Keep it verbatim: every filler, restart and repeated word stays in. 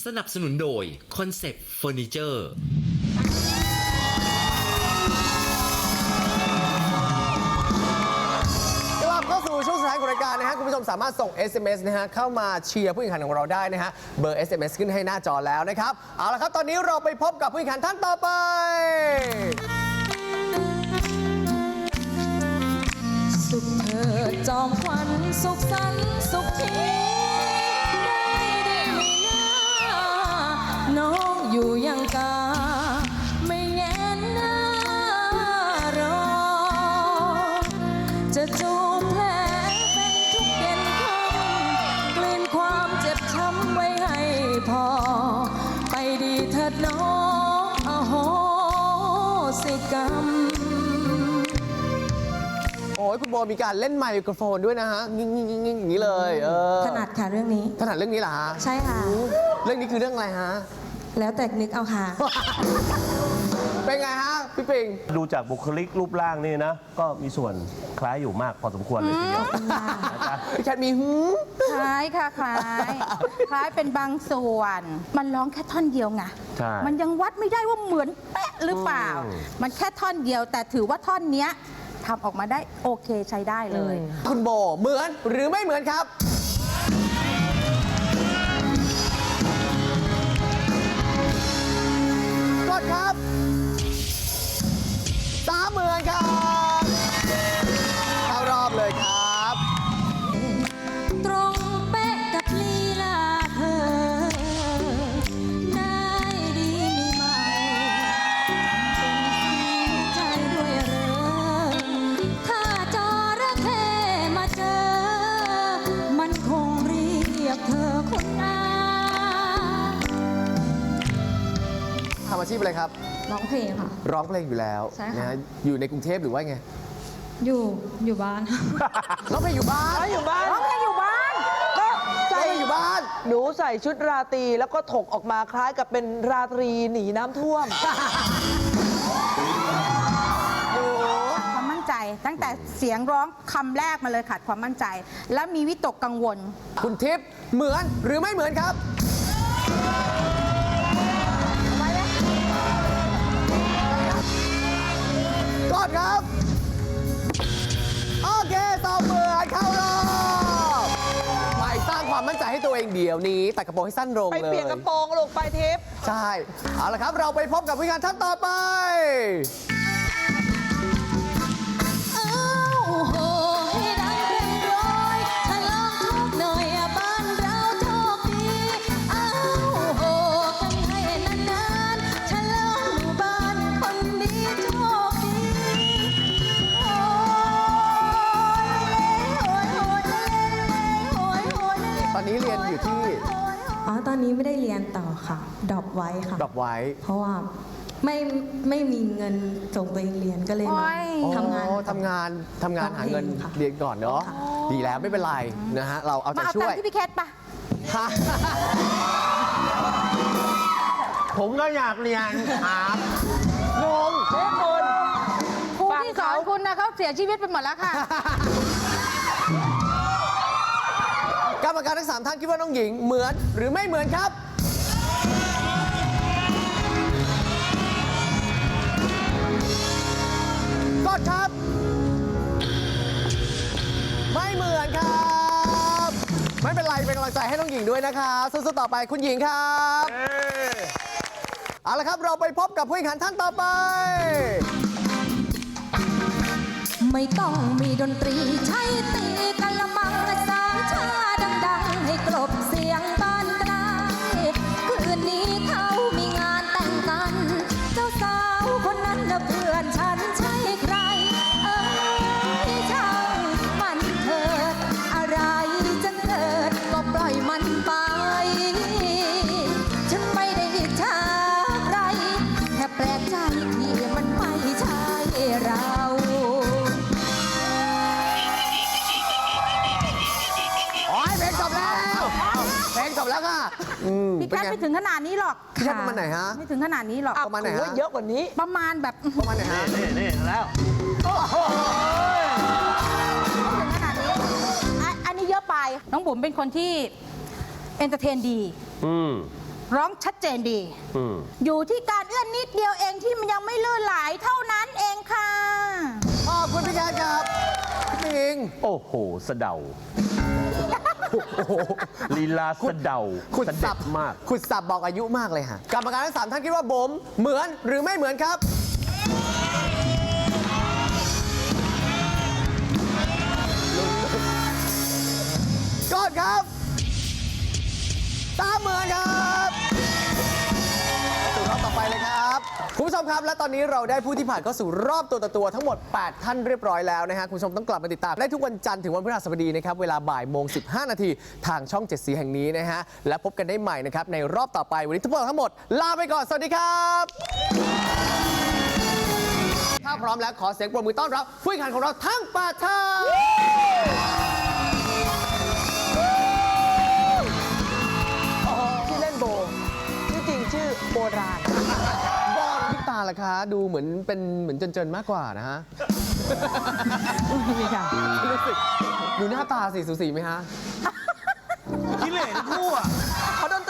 นับสนุนโดยคอนเซปต์เฟอร์นิเจอร์กลับเข้าสู่ช่วงสุดท้ายของรายการนะฮะคุณผู้ชมสามารถส่ง เอส เอ็ม เอส นะฮะเข้ามาเชียร์ผู้แข่งขันของเราได้นะฮะเบอร์ เอส เอ็ม เอส ขึ้นให้หน้าจอแล้วนะครับเอาละครับตอนนี้เราไปพบกับผู้แข่งขันท่านต่อไปสุขเถิดจอมขวัญสุขสันต์สุขทีได้ได้ไหมนะน้องอยู่ยังกาไม่แงนหน้ารอจะจูบแผลเป็นทุกเย็นค่ำกลืนความเจ็บช้ำไว้ให้พอไปดีเถิดน้องอโหสิกรรมโอ้ยคุณโบมีการเล่นไมโครโฟนด้วยนะฮะงิ่งงิ่งงิ่งงิ่งอย่างนี้เลยเออถนัดค่ะเรื่องนี้ถนัดเรื่องนี้เหรอฮะใช่ค่ะเรื่องนี้คือเรื่องอะไรฮะแล้วแต่นึกเอาค่ะเป็นไงฮะพี่ปิงดูจากบุคลิกรูปร่างนี่นะ ก็มีส่วนคล้ายอยู่มากพอสมควรเลยทีเดียวพี่แคทมีหืมคล้ายค่ะคล้ายคล้ายเป็นบางส่วนมันร้องแค่ท่อนเดียวไงมันยังวัดไม่ได้ว่าเหมือนเป๊ะหรือเปล่ามันแค่ท่อนเดียวแต่ถือว่าท่อนเนี้ยทำออกมาได้โอเคใช้ได้เลยคุณโบเหมือนหรือไม่เหมือนครับกดครับสามเหมือนครับเข้ารอบเลยครับตรงเป๊ะกับลีลาเธอได้ดีมีไหมเป็นใจด้วยเรอถ้าจระเข้มาเจอมันคงเรียกเธอคุณอาทำอาชีพอะไรครับร้องเพลงค่ะร้องเพลงอยู่แล้วนะฮะอยู่ในกรุงเทพหรือว่าไงอยู่อยู่บ้านร้องเพลงอยู่บ้านอยู่บ้านร้องเพลงอยู่บ้านก็ใส่อยู่บ้านหนูใส่ชุดราตรีแล้วก็ถกออกมาคล้ายกับเป็นราตรีหนีน้ำท่วมความมั่นใจตั้งแต่เสียงร้องคำแรกมาเลยขาดความมั่นใจแล้วมีวิตกกังวลคุณทิพย์เหมือนหรือไม่เหมือนครับกดครับโอเคตอบเหมือนเข้ารอบไปสร้างความมั่นใจให้ตัวเองเดี๋ยวนี้ตัดกระโปรงให้สั้นลงเลยไปเปลี่ยนกระโปรงลูกไปทิพย์ใช่เอาละครับเราไปพบกับผู้แข่งขันท่านต่อไปโหให้ดังเป็นร้อยฉลองโชคหน่อยบ้านเราโชคดีอ้าวโหกันให้นานๆฉลองหมู่บ้านคนดีโชคดีโอ้ยโอ้ยโอ้ยโอ้ยโอ้ยตอนนี้เรียนอยู่ที่อ๋อตอนนี้ไม่ได้เรียนต่อค่ะดรอปไว้ค่ะดรอปไว้เพราะว่าไม่ไม่มีเงินส่งตัวเองเรียนก็เลยมาทำงานทำงานทำงานหาเงินเรียนก่อนเนาะดีแล้วไม่เป็นไรนะฮะเราเอาใจช่วยมาเอาตังค์ที่พี่แคทปะผมก็อยากเรียนครับงงเฮ้คุณครูที่สอนคุณนะเขาเสียชีวิตไปหมดแล้วค่ะกรรมการทั้งสามท่านคิดว่าน้องหญิงเหมือนหรือไม่เหมือนครับกดครับไม่เหมือนครับไม่เป็นไรเป็นกำลังใจให้น้องหญิงด้วยนะครับสู้ๆต่อไปคุณหญิงครับเอาละครับเราไปพบกับผู้แข่งขันท่านต่อไปไม่ต้องมีดนตรีใช้ตีกะละมังสามชาดังๆให้กลบเสียงบ้านไกลคืนนี้เขามีงานแต่งกันเจ้าสาวคนนั้นน่ะเพื่อนฉันใช่ใครเอ้ยช่างมันเถิดอะไรจะเกิดก็ปล่อยมันไปฉันไม่ได้อิจฉาใครแค่แปลกใจที่มันไม่ใช่เราเพลงจบแล้วเพลงจบแล้วค่ะพี่แคทไม่ถึงขนาดนี้หรอกพี่แคทประมาณไหนฮะไม่ถึงขนาดนี้หรอกประมาณไหนฮะเยอะกว่านี้ประมาณแบบประมาณไหนฮะนี่นี่แล้วถึงขนาดนี้อันนี้เยอะไปน้องบุ๋มเป็นคนที่เอนเตอร์เทนดีอืมร้องชัดเจนดีอืมอยู่ที่การเอื้อนนิดเดียวเองที่มันยังไม่ลื่นไหลเท่านั้นเองค่ะขอบคุณพี่แคทครับพี่หญิงโอ้โหสะเดาลีลาสะเดาขุดสะสัเด็บดมากขุดสับบอกอายุมากเลยฮะกรรมการทั้งสามท่านคิดว่าโบมเหมือนหรือไม่เหมือนครับกดครับตามเหมือนครับสู่รอบต่อไปเลยครับคุณผู้ชมครับและตอนนี้เราได้ผู้ที่ผ่านเข้าสู่รอบตัวต่อตัวทั้งหมด แปด ท่านเรียบร้อยแล้วนะฮะคุณผู้ชมต้องกลับมาติดตามได้ทุกวันจันทร์ถึงวันพฤหัสบดีนะครับเวลาบ่ายโมงสิบห้านาทีทางช่องเจ็ดสีแห่งนี้นะฮะและพบกันได้ใหม่นะครับในรอบต่อไปวันนี้ทุกคนทั้งหมดลาไปก่อนสวัสดีครับถ้าพร้อมแล้วขอเสียงปรบมือต้อนรับผู้แข่งขันของเราทั้งแปดท่านชื่อเล่นโบชื่อจริงชื่อโบราณบอลพี่ตาล่ะคะดูเหมือนเป็นเหมือนเจนๆมากกว่านะฮะรู้สึกดูหน้าตาสีสูสีไหมฮะกิเลสคู่อ่ะเขาดนต